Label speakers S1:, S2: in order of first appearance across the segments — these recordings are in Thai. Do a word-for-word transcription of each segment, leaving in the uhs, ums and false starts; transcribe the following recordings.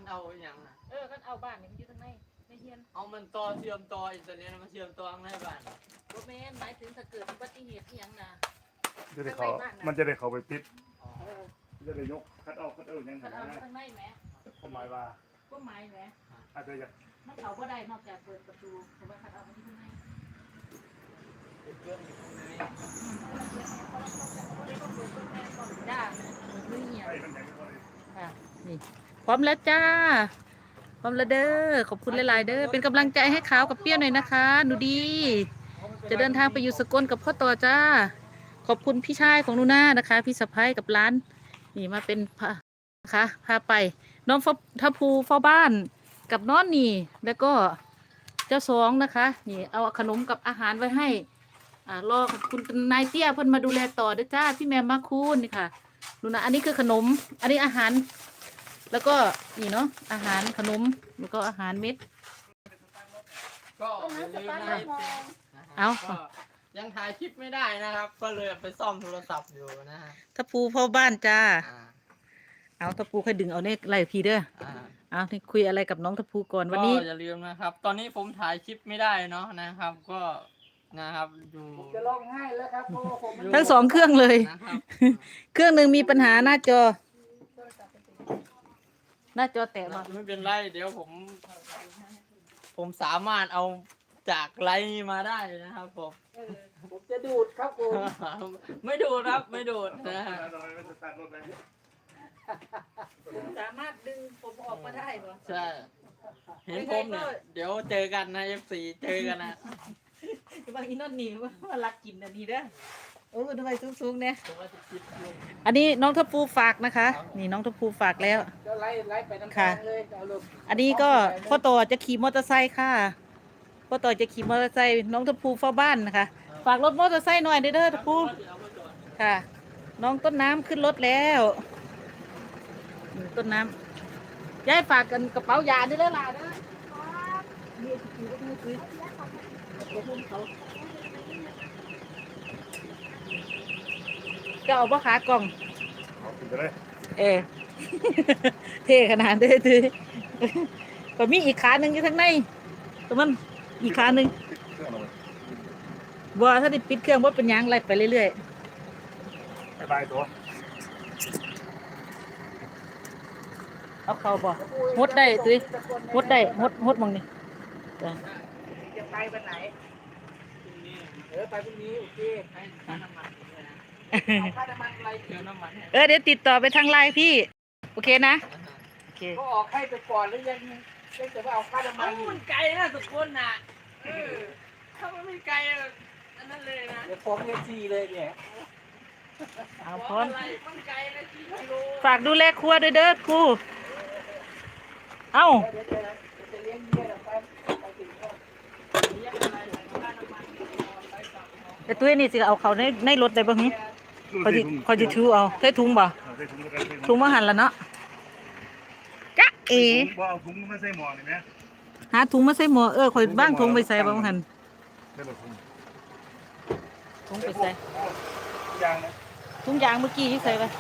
S1: เอาอย่างน่ะ
S2: เออกันเอาบ้านนี่มันอยู่ทางในในเฮียน
S1: เอามันต่อเชื่อมต่ออินเทอร์เน็ตมันเชื่อมต่อข้างในบ้าน
S2: บ่แม่นหมายถึงถ้าเกิดอุบัติเหตุอีหยังน่ะ
S3: จะได้เขามันจะได้เขาไปปิด
S2: เออ
S3: จะได้ยกคัดเอาคัดเอาอย่าง
S2: กัน
S3: นั้น
S2: เอา
S3: นะ
S2: ทางในแหม
S3: ผมหมายว่า
S2: ก็หมายแหม
S3: อาจจะอยาก
S2: มันเข้าบ่ได้นอกจากเปิดประตูแต่ว่าคันเอามันอยู่ข้างใน
S1: เป็นเครื่องอยู่ข้างใน
S2: จ้ามือเหี่ยว
S3: ให้มันอย่างนี้ก็ได้
S2: ค่ะนี่พร้อมแล้วจ้าพร้อมแล้วเด้อขอบคุณหลายๆเด้อเป็นกำลังใจให้ขาวกับเปี้ยหน่อยนะคะหนูดี จะเดินทางไปอยู่สกลกับพ่อต่อจ้าขอบคุณพี่ชายของหนูนานะคะ พี่สะพ้ายกับร้านนี่มาเป็นพานะคะพาไปน้องทัพภูเฝ้าบ้านกับน้อนนี่แล้วก็เจ้าสองนะคะนี่เอาขนมกับอาหารไว้ให้อ่ารอคุณนายเตี้ยเพิ่นมาดูแลต่อเด้อจ้าพี่แมมมาคูนนี่ค่ะดูนะอันนี้คือขนมอันนี้อาหาร แล้วก็นี่เนาะอาหารขนมแล้วก็อาหารเม็ด
S1: ก็อย่าลืมนะ
S2: เอา
S1: ก็ยังถ่ายคลิปไม่ได้นะครับ ก็เลยไปซ่อมโทรศัพท์อยู่นะฮะ
S2: ทัพภูเฝ้าบ้านจ้า
S1: อ่า
S2: เอาทัพภูค่อยดึงเอาเนี่ยไล่พีเด้อ
S1: อ่า
S2: เอานี่คุยอะไรกับน้องทัพภูก่อนวันนี้
S1: ก็อย่าลืมนะครับ ตอนนี้ผมถ่ายคลิปไม่ได้เนาะนะครับ ก็นะครับอยู่
S4: จะร้องไห้แล้วครับเพราะว่าผม
S1: ยู่
S2: ทั้งสองเครื่องเลย
S1: นะครับ
S2: เครื่องหนึ่งมีปัญหาหน้าจอ หน้าจอแตกมา
S1: ไม่เป็นไรเดี๋ยวผม ผมสามารถเอาจากไลน์นี้มาได้นะครับผม
S4: ผมจะดูดครับผม
S1: ไม่ดูดครับไม่ดูดนะฮะ
S3: ทำไมไม่สตาร์ทรถเลย
S2: สามารถดึงผมออกมาได้ปะ
S1: ใช่เห็นผมเนี่ยเดี๋ยวเจอกันนะเอฟซีเจอกันนะ
S2: บางอีนอนหนีว่าว่ารักกินอันนี้เด้อโอ้ทำไมสูงๆเนี่ย
S1: ผมว่าจะคิดอยู่
S2: อันนี้น้องทัพภูฝากนะคะ นี่น้องทัพภูฝากแล้ว
S4: จะไล่ไล่ไปน้ำ
S2: ค่ะ
S4: ตาลเลยเอาลง
S2: อันนี้ก็พ่อต่อจะขี่มอเตอร์ไซค์ค่ะพ่อต่อจะขี่มอเตอร์ไซค์น้องทัพภูเฝ้าบ้านนะคะ ฝากรถมอเตอร์ไซค์หน่อยเด้อเด้อทัพภูค่ะ น้องต้นน้ำขึ้นรถแล้วนี่ต้นน้ำยายฝากกันกระเป๋ายาเด้อเด้อล่ะเด้อนี่ถือก็มือถือขอบคุณเขาจะเอาบ่ขากล่อง
S3: เอาขึ้นไปเลย
S2: เออ เท่ขนาดเด้อถือก็มีอีกขาหนึ่งอยู่ข้างในแต่มันอีกขาหนึ่ง
S3: เครื่องเอาไว้
S2: บัวถ้าได้ปิดเครื่องว่าเป็นหยังไล่ไปเรื่อย
S3: บายบายตัว
S2: ๆเอาเข้าบ่หดได้ตุ้ยหดได้หดหดมองนี่จ้ะ
S4: จะไปวันไหนเออไปพรุ่งนี้โอเค
S1: ให้ค่าน้ำมันด้วยนะ
S4: เอาค่าน้ำมันอะไร
S1: เติมน้ำมันให้
S2: เออเดี๋ยวติดต่อไปทางไลน์พี่ โอเคนะ
S1: นะฮะ
S2: โอเค
S4: ก็ออกให้ไปก่อนแล้วยังยังจะว่าเอาค่าน้ำมั
S1: เอ้าน มันไกลนะทุกคนน่ะเออถ้ามันไม่ไกลอันนั้นเลยนะ
S4: เดี๋ยวฟ้องเอฟซีเลยเนี่ย
S2: เอา
S1: เพ
S2: พ
S1: ราะ
S2: ร้อม
S1: อะไรมันไกลนะกี่กิโล
S2: ฝากดูแลครัวด้วยเด้อครูเอ้า
S4: เดี๋ยวจะเดี๋ยวจะเลี้ยงเมียเราไปไปถึงก็
S1: เรียกอะไรค่าน้ำมันไปกลับเนาะ
S2: แต่ตุ้ยนี่สิเอาเขาในในรถได้บ่หึ
S3: ดู
S2: คอย
S3: สิ
S2: จิ
S3: ถุง
S2: คอยจิถือเอาใส่ถุงบ่
S3: เอาใส่ถุงแล้วกันใส่
S2: ถุงมาหันแล้วเนาะจ๊ะเอ๋
S3: ถุงบ่เอาถุงมาใส่หม้อนี่ไหม
S2: หาถุงมาใส่หม้อเออคอยบ้างถุงไปใส่บ่หัน
S3: ใส่รถถุง
S2: ถุงไปใส่
S3: ยางนะ
S2: ถุงยางเมื่อกี้ที่ใส่ไป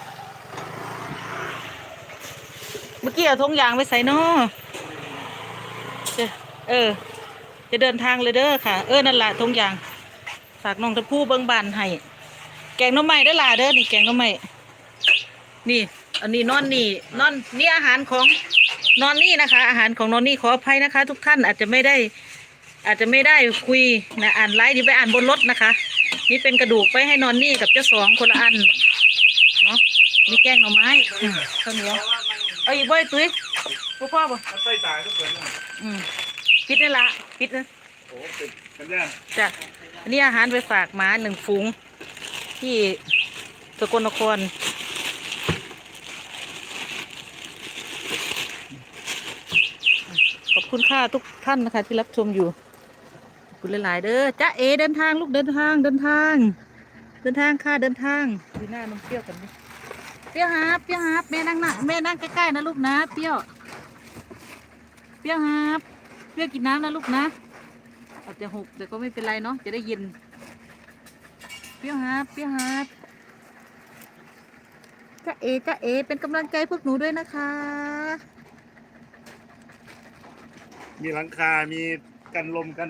S2: เมื่อกี้เอาถุงยางไปใส่เนาะจะเออ จะเดินทางเลยเด้อค่ะ เออนั่นแหละถุงยางฝากน้องตะพูเบิ้งบานให้แกงหน้ำไม้ได้อล่ะเด้อนี่แกงหน้ำไม้นี่ อันนี้นอนนี่นอนนี่อาหารของนอนนี่นะคะ อาหารของนอนนี่ขออภัยนะคะ ทุกท่านอาจจะไม่ได้ อาจจะไม่ได้คุยนะอ่านไลน์นี่ไปอ่านบนรถนะคะ นี่เป็นกระดูกไปให้นอนนี่กับเจ้าสองคนละอันเนาะมีแกงหน่อไม้อืมข้าวเหนียวเอาอีกบ่อยตุ้ยพ่อพ่อบ่
S3: มันใส่ตายก็เปิดแล้ว
S2: อืมปิดนี่ละปิดนะ
S3: โอ้ปิดกันย่าง
S2: จ้ะอันนี้อาหารไปฝากหมาหนึ่งฝูงที่สกลนครขอบคุณค่ะทุกท่านนะคะที่รับชมอยู่ขอบคุณหลายๆเด้อจ้าเอเดินทางลูกเดินทางเดินทาง เดินทางค่ะเดินทางดูหน้าน้องเปรี้ยวกันไหมเปรี้ยวฮาบเปรี้ยวฮาบแม่นั่งนะแม่นั่งใกล้ๆนะลูกนะเปรี้ยวเปรี้ยวฮาบเปรี้ยวกินน้ำนะลูกนะอาจจะหกแต่ก็ไม่เป็นไรเนาะจะได้ยินเปรี้ยวฮาบเปรี้ยวฮาบจ้าเอจ้าเอเป็นกำลังใจพวกหนูด้วยนะคะ
S3: มีหลังคา มีกันลมกัน